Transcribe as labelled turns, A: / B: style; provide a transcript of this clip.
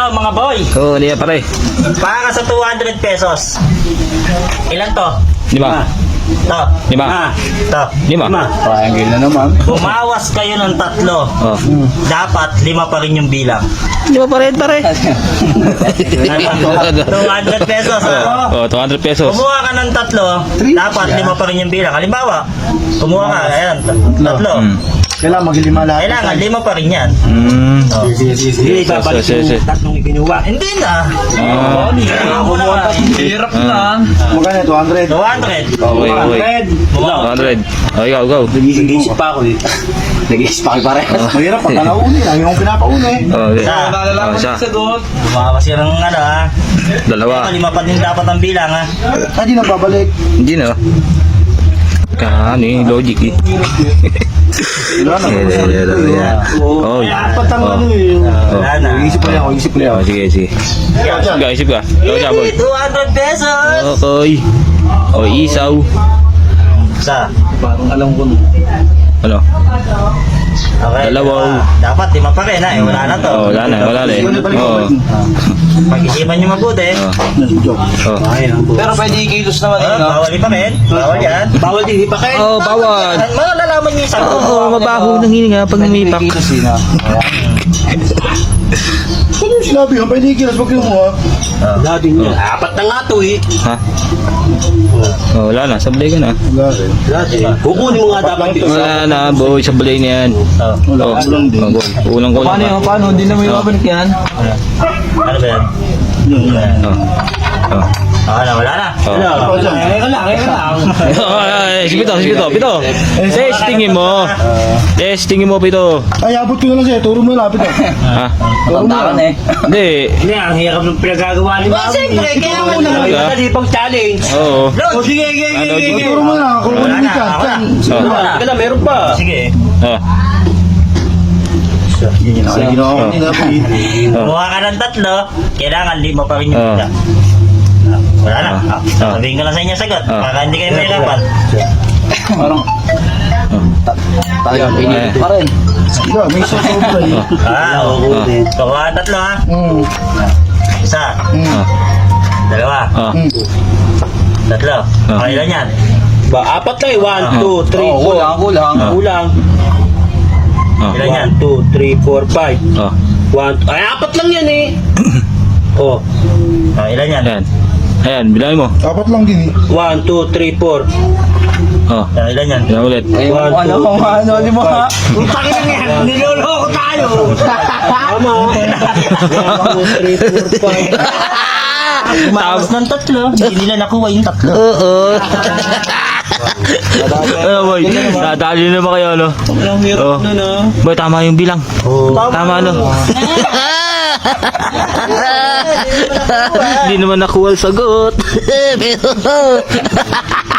A: Ito mga boy.
B: Oo, niya pare.
A: Para sa 200 pesos. Ilan to?
B: 5.
A: To.
B: 5.
A: To.
B: 5.
C: Triangle na naman.
A: Bumawas kayo ng 3.
B: Oh.
A: Dapat 5 pa rin yung bilang.
B: 5 pa rin pare.
A: 200 pesos ha.
B: Oh, 200 pesos.
A: Kumuha ka ng 3, dapat 5 pa rin yung bilang. Halimbawa, kumuha ka, ayan, 3.
C: Kailangan maglima lahat.
A: Kailangan 5 pa rin yan. Oh.
C: Sige,
B: babalik yung
A: tatlong ikinuha. Hindi na.
C: Hirap na. Magkano 200?
A: 200.
B: Okay. 200. Oh, ikaw, go.
C: Nag-iisip pa ako eh. Nag-iisip pa kayo pare. Mahirap pag kalauni. Lagi akong pinapauna eh.
B: Oh, okay. Oh, siya.
A: Bumawas yun ng ano ha.
B: 2.
A: 5 pa din dapat ang bilang ha.
C: Hindi na babalik.
B: Hindi na. Ano yung logic eh.
C: Wala na.
B: Oh,
C: Apat ang ano eh.
A: Wala na.
C: Nag-iisip pa yan. Nag-iisip pa yan.
B: Oh, sige, sige. Isip ka. Ikaw siya, boy.
A: 200 pesos.
B: Okay. Oh, isaw.
A: Isa.
C: Parang alam ko na.
B: Ano?
A: Okay.
B: Dalawa.
A: Dapat 5 pa rin ha. Eh, wala na to.
B: Oh, wala na eh. Oh.
A: Pag-isipan nyo mabuti.
B: Oh.
C: Pero pwede i-kilos naman eh. no?
A: Bawal pa rin. Bawal yan.
C: Bawal din ipakin.
B: Oh, bawal.
A: Malalaman nyo yung sagot.
B: Oo, mabaho ng hininga pag umipak.
C: I-kilos din ha. Ano yung sinabi ha? Pwede i-kilos pag kinuha.
A: Dati
B: nyo.
A: Apat na nga to eh.
B: Ha? Oh, wala na. Sablay ka na.
A: Kukunin mo nga dapat ito.
B: Wala na, boy. Sablay na yan.
C: Wala.
B: Oh,
C: Kulang din.
B: boy. Kulang ko lang.
C: Paano? Hindi naman yung mabalik yan.
A: Ano ba yan?
B: Oh. Oh.
A: Wala na.
B: Oh.
A: Kaya lang.
B: Sige pito. Testingin mo. Testingin mo, pito.
C: Ay, abot ko na lang siya. Turo mo lapit eh.
B: Ha?
C: Turo mo lang eh.
B: Hindi.
A: Hindi, ang hirap ng pinagagawa ni Mami. Siyempre, kaya mo na
B: Talaga?
A: pang challenge.
B: Oo.
A: O sige.
B: Ano, sige.
C: Turo mo lang. Kung
A: Wala
C: ano
A: na,
C: ka.
A: ako na.
B: Oh.
A: Sige lang, meron pa. Sige.
B: Oh.
C: Yun ang ginawa ko nila.
A: Kumuha ka ng 3, kailangan 5 pa rin yung
B: Oh.
A: isa. Wala na. Sabihin ko lang sa inyo sagot, para hindi kayo mahirapan.
C: Parang talagang pinilit pa rin. Yeah, may sobra eh.
A: Oo. Kumuha ng 3 ha. Isa.
B: Oh.
A: 2.
B: Oh.
A: 3. Okay lang yan.
D: Apat na eh. 1, 2, 3, 4.
C: Kulang.
D: Kulang.
B: Oh.
A: Ilan yan?
D: 1, 2, 3, 4, 5.
B: Oh.
D: 1. Ay, apat lang yan eh. Oh.
A: Ilan yan?
B: Ayan, bilangin mo.
C: Apat lang din eh.
D: 1, 2, 3, 4.
B: Oh.
A: Ilan yan?
B: Bilang ulit.
C: Ano mo ha?
A: Utang na yan! Niloloko tayo!
D: Tama. 1, 2, 3, 4, 5.
A: Umawas ng 3, hindi nila nakuha yung 3.
B: Oo. Ano boy? Nadali na ba kayo ano?
D: Walang hirap na na.
B: Boy, tama yung bilang. Tama ano? Hindi naman nakuha ang sagot.